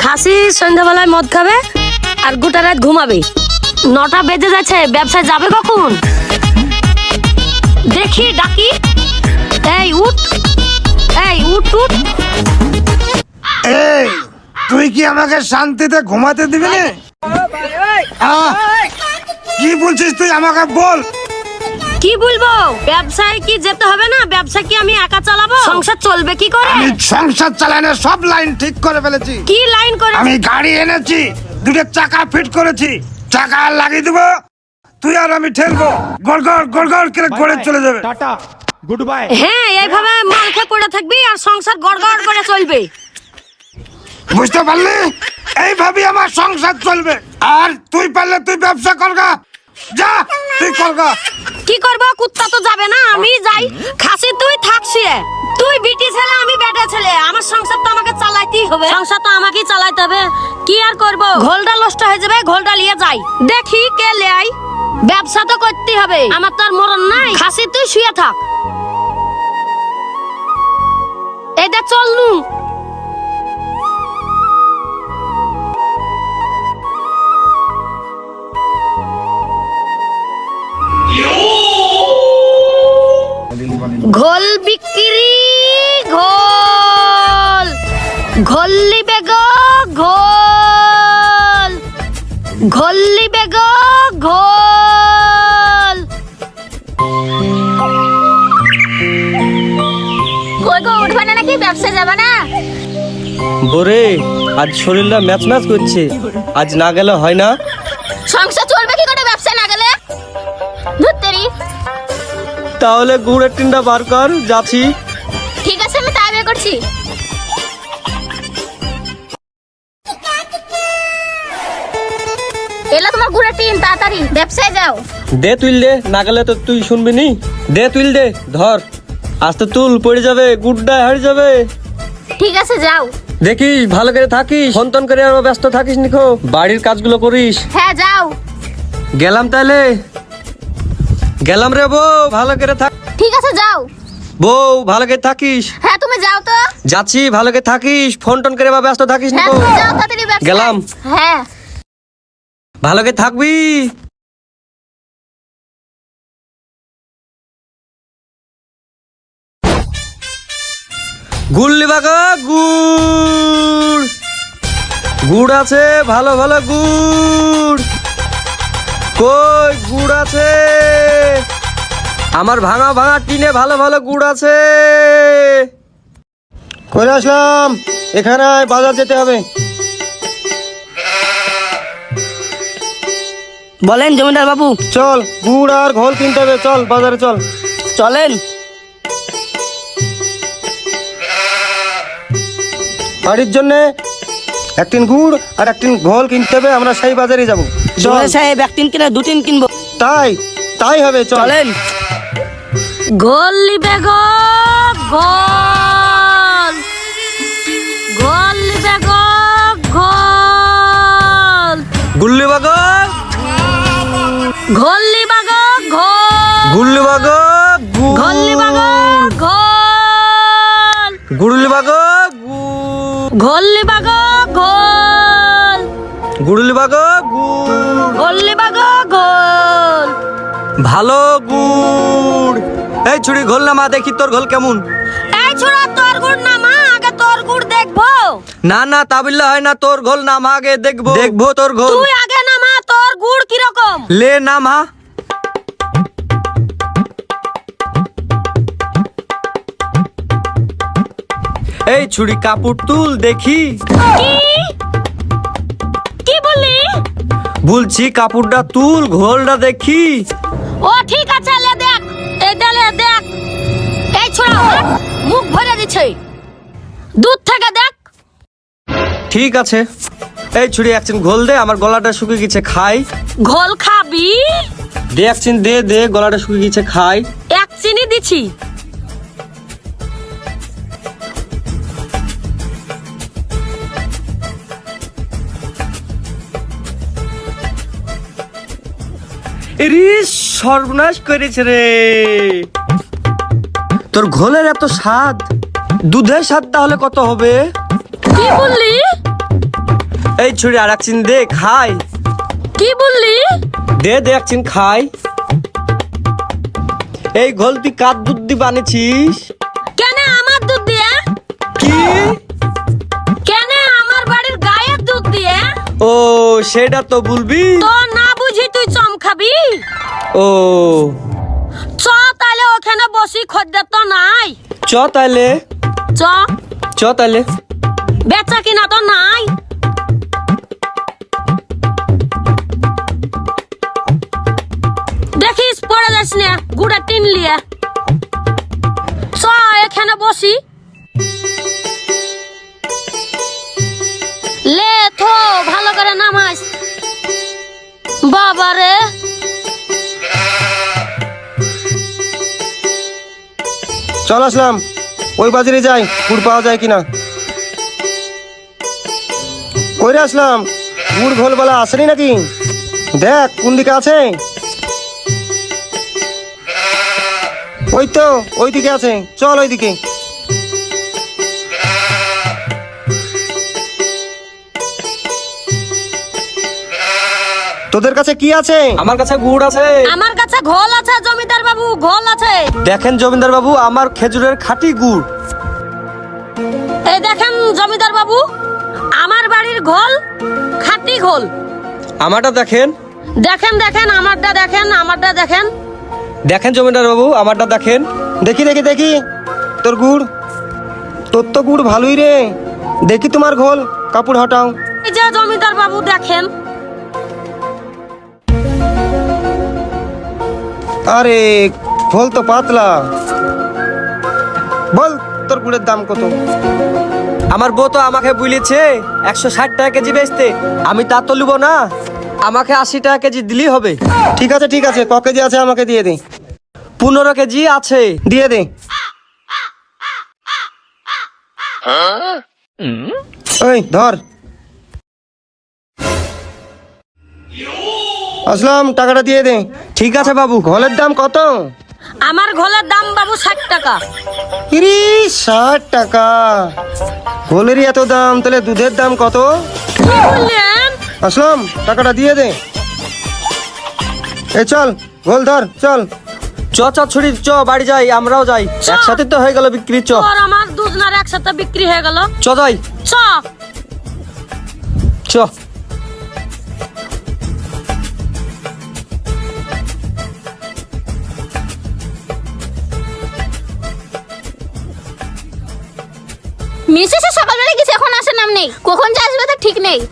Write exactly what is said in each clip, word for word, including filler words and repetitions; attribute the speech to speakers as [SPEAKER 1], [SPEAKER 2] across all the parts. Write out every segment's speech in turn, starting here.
[SPEAKER 1] খাসি সন্ধ্যাবেলায় মদ খাবে আর গোটা রাত ঘুমাবে। নটা বেজে যাচ্ছে, ব্যবসায় যাবে কখন? দেখি ডাকি। এই উঠ, এই উঠ উঠ।
[SPEAKER 2] এই তুই কি আমাকে শান্তিতে ঘুমাতে দিবি না? কি বলছিস তুই? আমাকে বল।
[SPEAKER 1] কি বলবো? ব্যবসায় কি যেতে হবে না? ব্যবসা কি আমি একা চালাবো? সংসার চলবে কি করে?
[SPEAKER 2] আমি সংসার চালানোর সব লাইন ঠিক করে ফেলেছি।
[SPEAKER 1] কি লাইন করে?
[SPEAKER 2] আমি গাড়ি এনেছি, দুটো চাকা ফিট করেছি, চাকা লাগিয়ে দেবো, তুই আর আমি ঠেলবো, গড়গড় গড়গড় করে গড়ে চলে যাবে।
[SPEAKER 3] টাটা, গুড বাই।
[SPEAKER 1] হ্যাঁ, এইভাবে মাল খেয়ে পড়ে থাকবি আর সংসার গড়গড় করে চলবে।
[SPEAKER 2] বুঝতে পারলি? এইভাবে আমার সংসার চলবে। আর তুই পারলে তুই ব্যবসা করগা, যা তুই করগা।
[SPEAKER 1] কি করবো? কুত্তা তো যাবে না, আমি যাই। খাসি তুই থাকছি, তুই বিটি ছেলে আমি বেটা ছেলে, আমার সংসার তো আমাকে চালাইতেই হবে। সংসার তো আমাকেই চালাইতে হবে, কি আর করবো? ঘোলটা নষ্ট হয়ে যাবে, ঘোলটা নিয়ে যাই, দেখি কে লেয়। ব্যবসা তো করতেই হবে, আমার তো আর মরণ নাই। খাসি তুই শুয়ে থাক। এই দেখ চল নু। ঘোল বিক্রি, ঘোল ঘোল্লি বেগ, ঘোল ঘোল্লি বেগ, ঘোল। কই গো, উঠবে না নাকি? ব্যবসা যাবে না?
[SPEAKER 4] বোরে, আজ শরীরটা ম্যাচ ম্যাচ করছে, আজ না গেলে হয় না।
[SPEAKER 1] সংসার চলবে কি করে ব্যবসা না গেলে? ধুত্তেরি।
[SPEAKER 4] তাহলে গুড়ের টিনটা বার কর, যাচ্ছি।
[SPEAKER 1] ঠিক আছে, আমি তাই বের করছি। এলা তোমার গুড়ের টিন, তাড়াতাড়ি ব্যবসায় যাও।
[SPEAKER 4] দে তুইল দে, না গেলে তো তুই শুনবি নি। দে তুইল দে, ধর আস্তে তুল, পড়ে যাবে, গুড়টা হারিয়ে যাবে।
[SPEAKER 1] ঠিক আছে যাও।
[SPEAKER 4] দেখিস ভালো করে থাকিস, ফোন টোন করে আর ব্যস্ত থাকিস নিখো, বাড়ির কাজগুলো করিস।
[SPEAKER 1] হ্যাঁ যাও।
[SPEAKER 4] গেলাম তাহলে, গেলাম রে বউ, ভালো করে থাক।
[SPEAKER 1] ঠিক আছে যাও।
[SPEAKER 4] বউ ভালো করে থাকিস।
[SPEAKER 1] হ্যাঁ তুমি যাও তো।
[SPEAKER 4] যাচ্ছি, ভালো করে থাকিস, ফোন টোন করে বা ব্যস্ত থাকিস
[SPEAKER 1] হ্যাঁ
[SPEAKER 4] নিখো।
[SPEAKER 1] তুমি যাও তাড়াতাড়ি ব্যবসায়।
[SPEAKER 4] গেলাম।
[SPEAKER 1] হ্যাঁ।
[SPEAKER 4] ভালো করে থাকবি। গুড় লিবা গো, গুড় গুড় আছে, ভালো ভালো গুড়। কই গুড় আছে? আমার ভাঙা ভাঙা টিনে ভালো ভালো গুড় আছে। করে আসলাম, এখানে বাজার যেতে হবে।
[SPEAKER 5] বলেন জমিদার বাবু।
[SPEAKER 4] চল, গুড় আর ঘোল কিনতে হবে, চল বাজারে চল।
[SPEAKER 5] চলেন।
[SPEAKER 4] বাড়ির জন্য একটিন গুড় আর একটিন ঘোল কিনতে হবে, আমরা সেই বাজারে যাব। চল
[SPEAKER 5] জমিদার সাহেব এক টিন কিনে দু টিন কিনবো।
[SPEAKER 4] তাই তাই হবে,
[SPEAKER 5] চলেন।
[SPEAKER 1] গোল লিবে গো, গোল গোল লিবে গো, গোল
[SPEAKER 4] গুল্লি বাগ,
[SPEAKER 1] ঘোল লিবা গো, ঘোল
[SPEAKER 4] গুল্লি বাগ,
[SPEAKER 1] ঘোল লিবা গো, ঘোল
[SPEAKER 4] গুড়লি বাগ,
[SPEAKER 1] ঘোল লিবা গো, ঘোল
[SPEAKER 4] গুড়লি বাগ,
[SPEAKER 1] ঘোল লিবা গো, ঘোল।
[SPEAKER 4] ভালো গুড়। এই ছুরি ঘোল না মা, দেখি তোর ঘোল কেমন।
[SPEAKER 1] এই ছোড়া, তোর গুড় না মা, আগে তোর গুড় দেখবো।
[SPEAKER 4] না না তা বললে হয় না, তোর ঘোল না মা, আগে দেখবো দেখবো তোর ঘোল।
[SPEAKER 1] তুই আগে না মা, তোর গুড় কিরকম?
[SPEAKER 4] লে না মা। এই ছুরি কাপড় তুল দেখি।
[SPEAKER 1] কি কি বললি?
[SPEAKER 4] বলছি কাপড়টা তুল, ঘোলটা দেখি।
[SPEAKER 1] ও ঠিক আছে, লে দেখ, এই দে, লে দেখ। এই ছোড়া হাট, মুখ ভরে দিছে, দুধ থেকে দেখ।
[SPEAKER 4] ঠিক আছে, এই ছুরি একচিন ঘোল দে, আমার গলাটা শুকিয়ে গেছে, খাই।
[SPEAKER 1] ঘোল খাবি?
[SPEAKER 4] দে একচিন, দে দে, গলাটা শুকিয়ে গেছে, খাই।
[SPEAKER 1] এক চিনি দিছি।
[SPEAKER 4] এরে সর্বনাশ করেছে রে, তোর ঘোলের এত স্বাদ, দুধের স্বাদ তাহলে কত হবে?
[SPEAKER 1] কি বললি?
[SPEAKER 4] এই ছুরি আর একচিন দে খাই।
[SPEAKER 1] কি বললি?
[SPEAKER 4] দে দে একচিন খাই। এই ঘোল তুই কার দুধ দিয়ে বানিয়েছিস?
[SPEAKER 1] কেন আমার দুধ দিয়ে?
[SPEAKER 4] কি?
[SPEAKER 1] কেন আমার বাড়ির গায়ের দুধ দিয়ে?
[SPEAKER 4] ও সেটা তো বলবি।
[SPEAKER 1] তো না বুঝি তুই চম খাবি?
[SPEAKER 4] ও
[SPEAKER 1] চ তাহলে ওখানে বসি, খদ্দের তো নাই।
[SPEAKER 4] চ তাইলে,
[SPEAKER 1] চ।
[SPEAKER 4] চ তাইলে।
[SPEAKER 1] বেচা কিনা তো নাই। দেখিস পড়ে যাস না, গুড়া টিন লিয়ে। চ এখানে বসি। লে থো ভালো করে নামাস। বাবারে
[SPEAKER 4] চল আসলাম, ওই বাজারে যাই, গুড় পাওয়া যায় কিনা। কইরে আসলাম, গুড় ঘোল বলা আসেনি নাকি? দেখ কোন দিকে আছে। ওই তো ওই দিকে আছে, চল ওই দিকে। তোদের কাছে কি আছে? আমার কাছে গুড় আছে।
[SPEAKER 1] আমার কাছে ঘোল আছে জমিদার বাবু, ঘোল আছে।
[SPEAKER 4] দেখেন জমিদার বাবু, আমার খেজুরের খাঁটি গুড়।
[SPEAKER 1] এই দেখেন জমিদার বাবু, আমার বাড়ির ঘোল, খাঁটি ঘোল।
[SPEAKER 4] আমারটা দেখেন।
[SPEAKER 1] দেখেন দেখেন আমারটা দেখেন, আমারটা দেখেন।
[SPEAKER 4] দেখেন জমিদার বাবু, আমারটা দেখেন। দেখি দেখি দেখি তোর গুড়। তোর তো গুড় ভালোই রে। দেখি তোমার ঘোল, কাপড় হটাও।
[SPEAKER 1] এই যে জমিদার বাবু দেখেন।
[SPEAKER 4] আরে ঘোল তো পাতলা। বল তোর গুড়ের দাম কত? আমার বউ তো আমাকে বলেছে একশো ষাট টাকা কেজি বেচতে। আমি তা তো লিব না, আমাকে আশি টাকা কেজি দিলেই হবে। ঠিক আছে ঠিক আছে, ক কেজি আছে আমাকে দিয়ে দে। পনেরো কেজি আছে, দিয়ে দে। ওই ধর। আসলাম, টাকাটা দিয়ে দে। ঠিক আছে বাবু। ঘোলের দাম কত?
[SPEAKER 1] আমার ঘোলের দাম বাবু ষাট টাকা।
[SPEAKER 4] ইরি ষাট টাকা? ঘোলেরই এত দাম, তাহলে দুধের দাম কত?
[SPEAKER 1] কি বললেন?
[SPEAKER 4] আসলাম, টাকাটা দিয়ে দে। এই চল, ঘোল ধর, চল। চ চ ছুরি, চ বাড়ি যাই, আমরাও যাই।
[SPEAKER 1] চ।
[SPEAKER 4] একসাথে তো হয়ে গেল বিক্রি। চ
[SPEAKER 1] তোর আমার দুধ না একসাথে বিক্রি হয়ে গেল।
[SPEAKER 4] চ যাই,
[SPEAKER 1] চ।
[SPEAKER 4] চ।
[SPEAKER 3] মিসেস সকালবেলা গেছে, এখন আসার নাম নেই। কখন যে আসবে তার ঠিক নেই।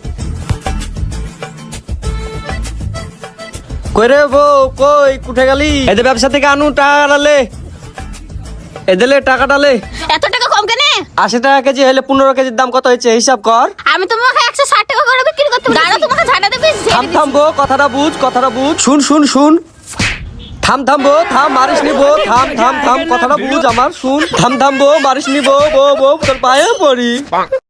[SPEAKER 4] কই রে বউ, কই কুঠে গেলি? এদের ব্যবসা থেকে আনু টাকা ডালে, এদেরলে টাকা ডালে।
[SPEAKER 3] এত টাকা কম কেন?
[SPEAKER 4] আশি টাকা কেজি হলে পনেরো কেজির দাম কত হয়েছে হিসাব কর।
[SPEAKER 3] আমি তোমাকে একশো ষাট টাকা করে বিক্রি করতে বলেছি। দাঁড়াও, তোমাকে ঝাঁটা দেবে।
[SPEAKER 4] থাম থাম বউ, কথাটা বুঝ, কথাটা বুঝ। শুন শুন শুন, থাম থাম বউ, থাম, মারিস নি বউ, থাম থাম থাম, কথাটা বুঝ আমার, শুন। থাম থাম বউ, মারিস নি বউ, বউ বউ তোর পায়ে পড়ি।